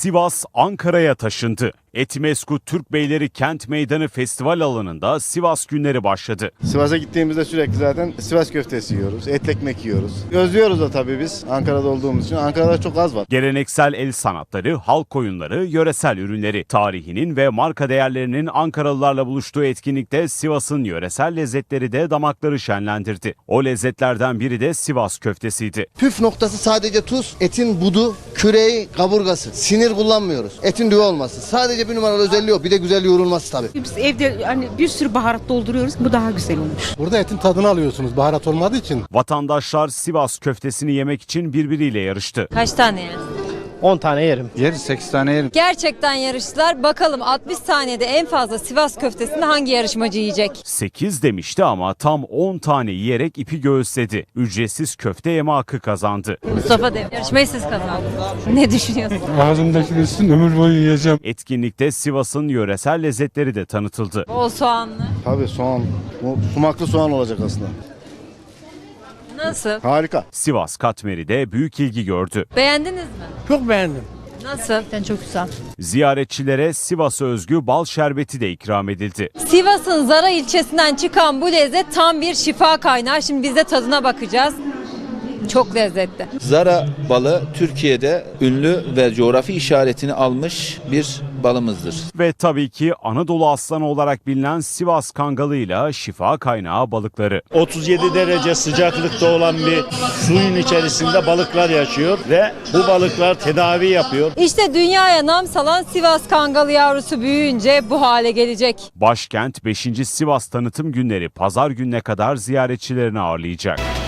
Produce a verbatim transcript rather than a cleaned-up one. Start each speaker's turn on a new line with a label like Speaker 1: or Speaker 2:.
Speaker 1: Sivas, Ankara'ya taşındı. Etimesgut Türkbeyleri Kent Meydanı Festival alanında Sivas günleri başladı.
Speaker 2: Sivas'a gittiğimizde sürekli zaten Sivas köftesi yiyoruz, etli ekmek yiyoruz. Özlüyoruz da tabii biz Ankara'da olduğumuz için. Ankara'da çok az var.
Speaker 1: Geleneksel el sanatları, halk oyunları, yöresel ürünleri, tarihinin ve marka değerlerinin Ankaralılarla buluştuğu etkinlikte Sivas'ın yöresel lezzetleri de damakları şenlendirdi. O lezzetlerden biri de Sivas köftesiydi.
Speaker 3: Püf noktası sadece tuz, etin budu, küreği, kaburgası. Sinir kullanmıyoruz. Etin düve olması. Sadece bir numaralı özelliği o. Bir de güzel yoğrulması tabii.
Speaker 4: Biz evde hani bir sürü baharat dolduruyoruz. Bu daha güzel olmuş.
Speaker 5: Burada etin tadını alıyorsunuz baharat olmadığı için.
Speaker 1: Vatandaşlar Sivas köftesini yemek için birbiriyle yarıştı.
Speaker 6: Kaç tane yer?
Speaker 7: on tane yerim.
Speaker 8: Yeriz, sekiz tane yerim.
Speaker 6: Gerçekten yarıştılar. Bakalım altmış saniyede en fazla Sivas köftesini hangi yarışmacı yiyecek?
Speaker 1: sekiz demişti ama tam on tane yiyerek ipi göğüsledi. Ücretsiz köfte yeme hakkı kazandı.
Speaker 6: Mustafa Dev. Yarışmayı siz kazandınız. Ne düşünüyorsun?
Speaker 8: Ağzımdaki üstün ömür boyu yiyeceğim.
Speaker 1: Etkinlikte Sivas'ın yöresel lezzetleri de tanıtıldı.
Speaker 6: Bol soğanlı.
Speaker 2: Tabii soğan, bu sumaklı soğan olacak aslında.
Speaker 6: Nasıl?
Speaker 2: Harika.
Speaker 1: Sivas katmeri de büyük ilgi gördü.
Speaker 6: Beğendiniz mi?
Speaker 7: Çok beğendim.
Speaker 6: Nasıl?
Speaker 4: Çok güzel.
Speaker 1: Ziyaretçilere Sivas'a özgü bal şerbeti de ikram edildi.
Speaker 6: Sivas'ın Zara ilçesinden çıkan bu lezzet tam bir şifa kaynağı. Şimdi biz de tadına bakacağız. Çok lezzetli.
Speaker 9: Zara balı Türkiye'de ünlü ve coğrafi işaretini almış bir balımızdır.
Speaker 1: Ve tabii ki Anadolu aslanı olarak bilinen Sivas kangalıyla şifa kaynağı balıkları.
Speaker 10: otuz yedi derece sıcaklıkta olan bir suyun içerisinde balıklar yaşıyor ve bu balıklar tedavi yapıyor.
Speaker 6: İşte dünyaya nam salan Sivas kangalı yavrusu büyüyünce bu hale gelecek.
Speaker 1: Başkent beşinci Sivas Tanıtım Günleri pazar gününe kadar ziyaretçilerini ağırlayacak.